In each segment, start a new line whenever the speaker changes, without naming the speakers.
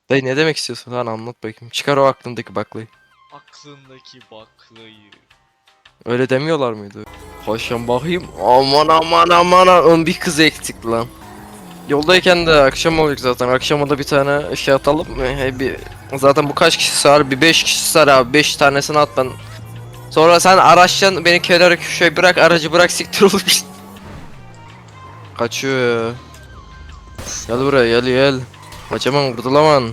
Dayı ne demek istiyorsun lan, anlat bakayım. Çıkar o aklındaki baklayı.
Aklındaki baklayı.
Öyle demiyorlar mıydı? Koşun bakayım. Aman aman aman aman, bir kız ektik lan. Yoldayken de akşam olacak zaten. Akşama da bir tane şey atalım mı? Zaten bu kaç kişi sar? Bir 5 kişi sar abi. 5 tanesini at ben. Sonra sen araçtan beni kenara köşeye bırak, aracı bırak, siktir olup git. Kaçıyor ya. Gel buraya, gel gel. Kaçamam, kurtulamam.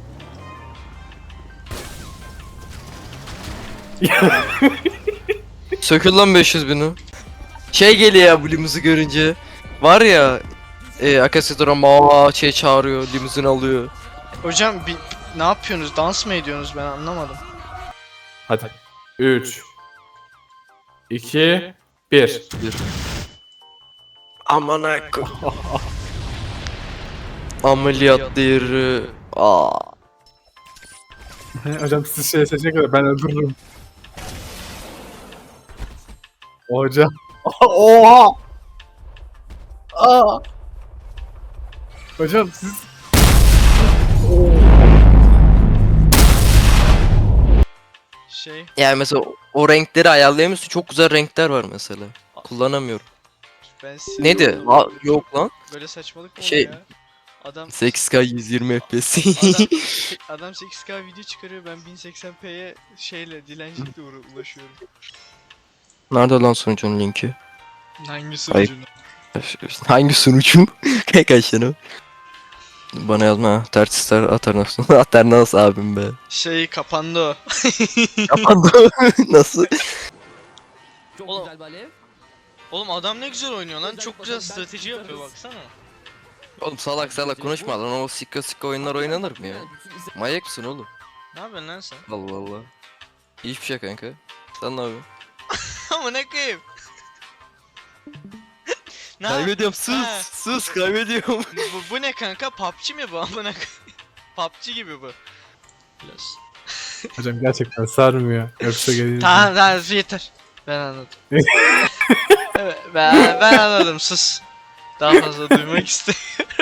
Sökül lan 500 bini. Şey geliyor ya bu limuzu görünce. Var ya, Akasya Drama şey çağırıyor, limuzin alıyor.
Hocam ne yapıyorsunuz? Dans mı ediyorsunuz? Ben anlamadım.
Hadi. 3 2 1.
Aman akı. Ameliyat yeri. Aa.
Hocam siz şey seçecek kadar ben öldürürüm. Hocam. Oha! Aa! Hocam siz...
Yani mesela o renkleri ayarlayamıyorsun. Çok güzel renkler var mesela. Kullanamıyorum.
Ben
Neydi? Yok lan.
Böyle saçmalık mı
Şey-
olur ya? Adam
8K 120 FPS.
adam 8K video çıkarıyor, ben 1080p'ye şeyle dilencilikle ulaşıyorum.
Nerede lan sunucunun linki?
Hangisi
Ayıp. Hangi sunucu? Kaç tane? Bana yazma ha. Tertisler Aternos. Aternos abim be.
Şey kapandı o.
Kapandı. Nasıl?
Çok
Oğlum.
güzel bir alev.
Oğlum adam ne güzel oynuyor lan, çok güzel strateji yapıyor baksana.
Oğlum salak salak konuşma lan, o sikka oyunlar oynanır mı ya? Manyak mısın oğlum?
Ne yapıyorsun lan sen?
Allah Allah. Hiçbir şey kanka. Sen ne yapıyorsun?
Ama ne koyayım? Ne
Kaybediyorum,
Ha.
sus kaybediyorum.
bu ne kanka? PUBG mi bu? Amına koyayım. PUBG gibi bu. Biraz.
Hocam gerçekten sarmıyor. Yoksa geliriz.
Tamam yeter. Ben anladım. Evet, ben anladım, sus. Daha fazla duymak istemiyorum.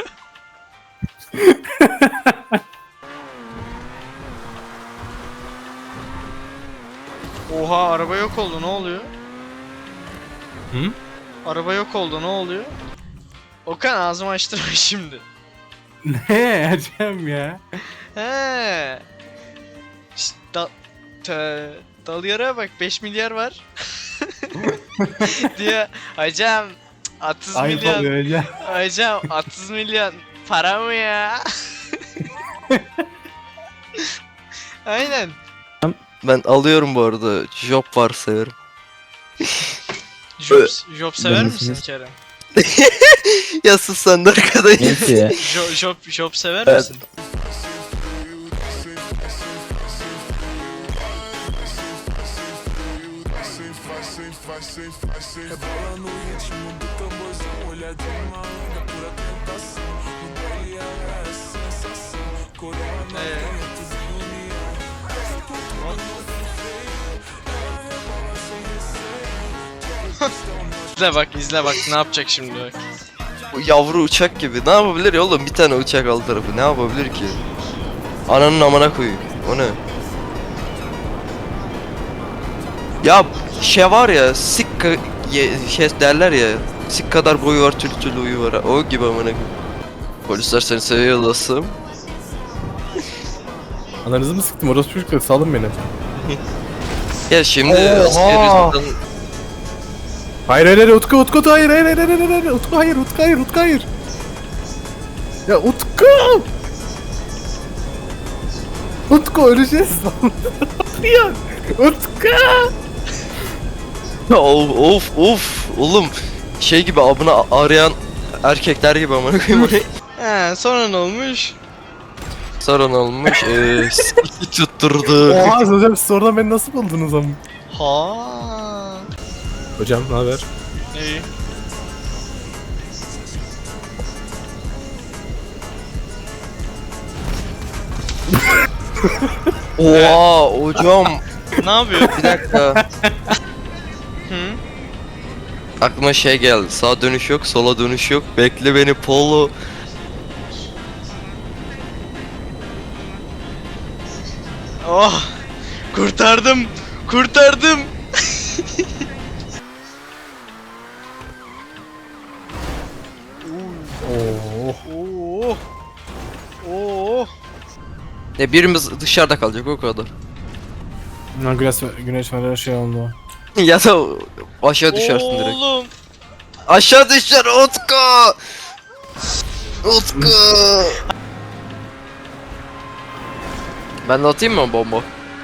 Oha, araba yok oldu, ne oluyor?
Hı?
Araba yok oldu, ne oluyor? Okan, ağzımı açtırma şimdi.
Ne hocam ya?
He. Şşt, dal yarığa bak, 5 milyar var. diyor hocam, 30
Ayıp oluyor
milyon.
hocam.
Hocam 30 milyon para mı ya? Aynen.
Ben alıyorum bu arada. Job var severim.
Job sever misin Kerem?
Ya sus sen de arkadaş.
Neyse ya.
Job sever
Evet.
misin?
Rebola no ritmo do tamborzão, olhadinha malandra, pura tentação. No baile é a sensação, coroa na frente de união. Essa cultura não vem feio, ela rebola sem receio.
İzle bak ne yapacak şimdi bak.
Bu yavru uçak gibi. Ne yapabilir ya oğlum? Bir tane uçak alt tarafı. Ne yapabilir ki? Ananın amına koyayım. O ne? Ya şey var ya, sikka şey derler ya. Sik kadar boyu var, tülü tülü uyu var. O gibi amına koyayım. Polisler seni seviyor dostum.
Ananızı mı sıktım? Orası çocuklar salın beni.
Ya şimdi
Oha!
Sirius'tan
Hayır hayır hayır Utku hayır hayır hayır hayır hayır Utku hayır. Ya Utku! Utku öleceğiz lan. Ya Utku!
of oğlum, şey gibi abını arayan erkekler gibi amına koyayım.
He, sonra ne olmuş?
Sorun olmuş. Siki tutturdu.
Oha hocam siz oradan beni nasıl buldunuz ama?
Ha.
Hocam ne haber?
İyi.
Oha hocam.
Ne yapıyor?
Bir dakika.
Hı?
Aklıma şey geldi. Sağ dönüş yok, sola dönüş yok. Bekle beni Polo.
Oh! Kurtardım! Kurtardım!
Oo.
Oo! Oo!
Birimiz dışarıda kalacak o kadar.
Güneş var şey oldu.
Ya da aşağı düşersin direkt.
Oğlum!
Aşağı düşer Utku! Utku! Ben de atayım mı bomba?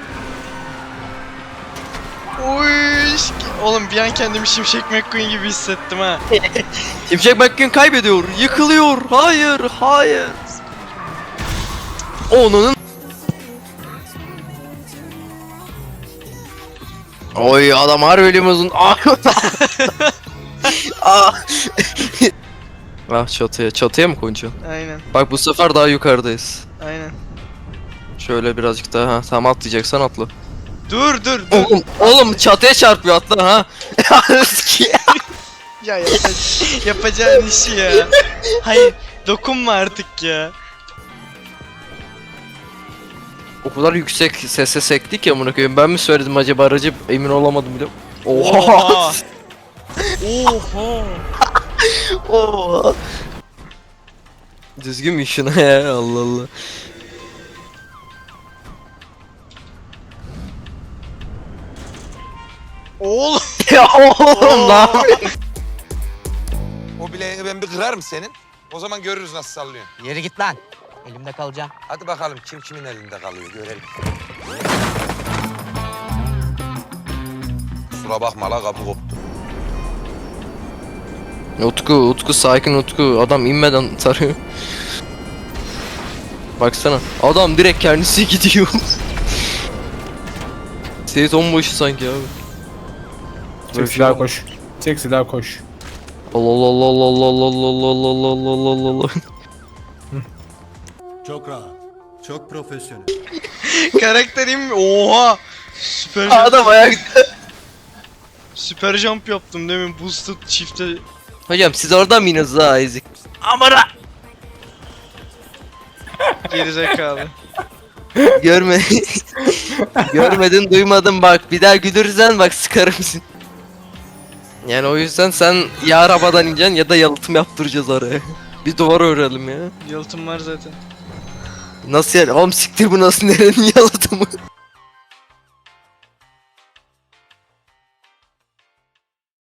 Uy! Oğlum bir an kendimi Şimşek McQueen gibi hissettim ha.
Şimşek McQueen kaybediyor, yıkılıyor. Hayır, hayır. Onun. Oy adam harbi elim uzun. Ah çatıya mı koyacaksın?
Aynen,
Bak bu sefer daha yukarıdayız.
aynen.
Şöyle birazcık daha ha. Tamam atlayacaksan atla.
Dur dur dur.
Oğlum çatıya çarpıyor atla ha.
Ya yapacağın işi ya. Hayır, dokunma artık ya.
O kadar yüksek sese sektik ya amına koyayım. Ben mi söyledim acaba aracı emin olamadım bile. Oha.
Oha.
Oha. Düzgün mü şuna ya Allah Allah.
Oğlum.
Ya oğlum lan.
O bileğini ben bir kırarım senin. O zaman görürüz nasıl sallıyor.
Yere git lan. Elimde kalacağım.
Hadi bakalım kim kimin elinde kalıyor görelim. Kusura bakma la kapı koptu.
Utku sakin Utku. Adam inmeden tarıyor. Baksana. Adam direkt kendisi gidiyor. Seyit onbaşı sanki abi.
Çek silah koş. Çek silah koş.
Allah Allah Allah Allah Allah Allah Allah Allah Allah Allah Allah.
Çok rahat. Çok profesyonel.
Karakterim oha. Süper
Adam ayakta.
süper jump yaptım demin boosted çifte.
Hocam siz orada mıyız ha ezik? Amına.
Gerizekalı.
Görme. Görmedin duymadın bak bir daha güdürsen bak sıkarım seni. Yani o yüzden sen ya arabadan ineceksin ya da yalıtım yaptıracağız oraya. Bir duvar örelim ya.
Yalıtım var zaten.
Nasıl yani? Oğlum siktir bu nasıl nerenin yalıtımı?